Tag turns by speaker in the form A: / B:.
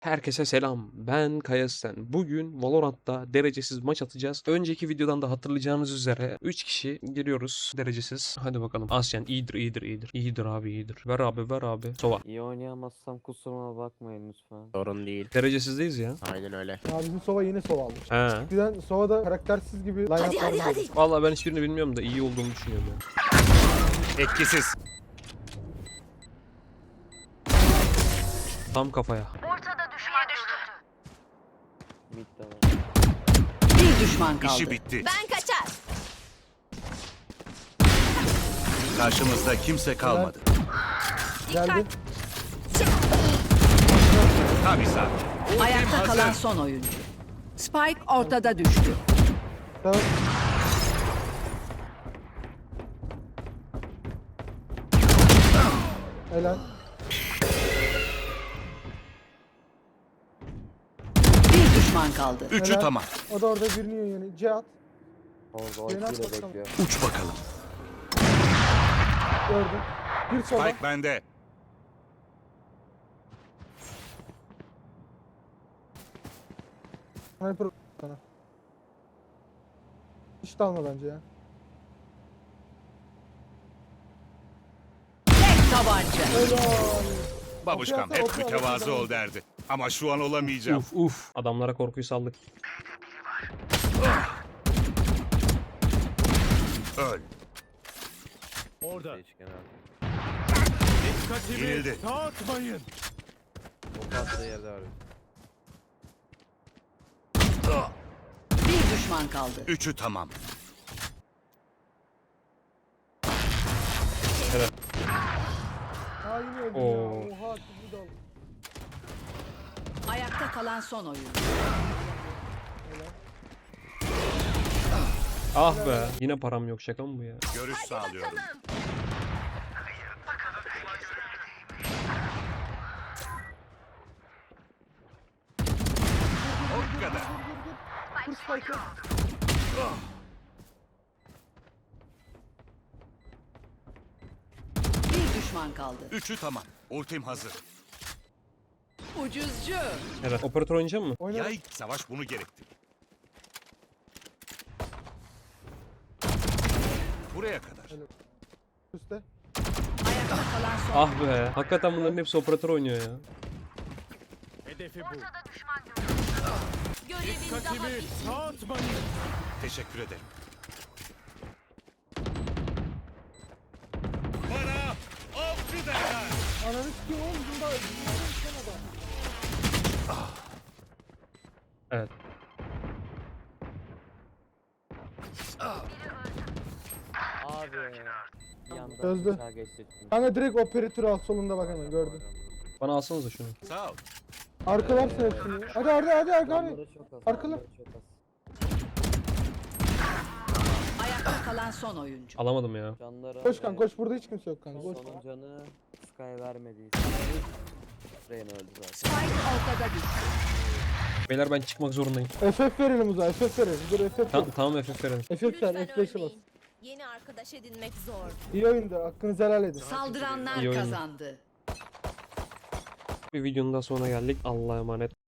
A: Herkese selam. Ben Kaya Sen. Bugün Valorant'ta derecesiz maç atacağız. Önceki videodan da hatırlayacağınız üzere 3 kişi giriyoruz derecesiz. Hadi bakalım. Asyen iyidir. İyidir abi iyidir. Ver abi ver abi. Sova.
B: İyi oynayamazsam kusuruma bakmayın lütfen.
C: Sorun değil.
A: Derecesizdeyiz ya.
C: Aynen öyle.
D: Ya bizim Sova yeni Sova almış.
A: He.
D: Eskiden Sova'da karaktersiz gibi line-up'lar vardı.
A: Vallahi ben hiçbirini bilmiyorum da iyi olduğunu düşünüyorum ya.
C: Etkisiz.
A: Tam kafaya.
B: Mid'de var.
E: Bir düşman kaldı.
F: İşi bitti.
G: Ben kaçar.
F: Karşımızda kimse kalmadı.
D: Geldi.
F: Tam isabet.
E: Ayakta
F: hazır.
E: kalan son oyuncu. Spike ortada düştü.
D: Tamam. Helal.
E: Bir düşman kaldı.
F: Üçü
D: Helal.
F: tamam.
D: O da orada birini yiyor yani. Cihat.
B: Orada
D: Yeni at
B: ultiyle
D: bakalım.
B: bekliyor.
F: Uç bakalım.
D: Gördüm. Bir Sova.
F: Spike bende.
D: Sniper sana. Hiç de alma bence ya.
E: Tek tabanca.
D: Helal.
F: Babuşkam
D: Okey,
F: hep
D: okey,
F: mütevazı
D: okey.
F: ol derdi. Ama şu an olamayacağım.
A: Uf. Adamlara korkuyu saldık.
F: Öl.
B: Hiç genelde.
F: Yenildi.
B: O katlı yerde abi.
E: Bir düşman kaldı.
F: Üçü tamam.
D: Ha yine öldüm
A: Oo.
D: ya. Oha sizi de aldım.
E: Ayakta kalan son oyuncu.
A: Ah be. Yine param yok, şaka mı bu ya?
F: Görüş sağlıyorum. O kadar.
D: Kur spike'ı.
E: Bir düşman kaldı.
F: Üçü tamam. Ultim hazır.
E: Ucuzcu.
A: Evet. Operatör oynayacak mı?
D: Oyna.
F: Yay savaş bunu gerekti. Buraya kadar.
D: Üste.
E: Ayakta kalan son.
A: Ah be. Hakikaten bunların hepsi operatör oynuyor ya.
G: Görevin daha bitmedi.
F: Teşekkür ederim. Bana avcı derler.
D: Ananı sikeyim oğlum. Bunda sen adam.
A: Evet.
B: Abi. Bir anda
D: Çözdü.
B: bıçağı geçirttim.
D: Kanka direkt operatörü al solunda bak hemen gördüm.
A: Bana alsanıza şunu.
F: Sağ ol.
D: Arkalarsın hepsini. Hadi abi.
B: Canları çok az.
D: Arkalı.
B: canları çok az.
E: Ayakta kalan son oyuncu.
A: Alamadım ya.
B: Canları
D: Koş kanka koş, burada hiç kimse yok kanka. Koş.
B: Sonun canı Sky vermediyse. Reyna öldü zaten.
E: Spike ortada düştü.
A: Beyler ben çıkmak zorundayım.
D: FF verelim uzağa, FF verelim. Dur FF verelim.
A: Tamam FF verelim.
D: FF ver,
G: Lütfen
D: F5'e bas.
G: ölmeyin. Yeni arkadaş edinmek zor.
D: İyi oyundu, hakkınızı helal edin.
E: Saldıranlar
A: İyi oyun.
E: kazandı.
A: Bir videonun daha sonuna geldik. Allah'a emanet.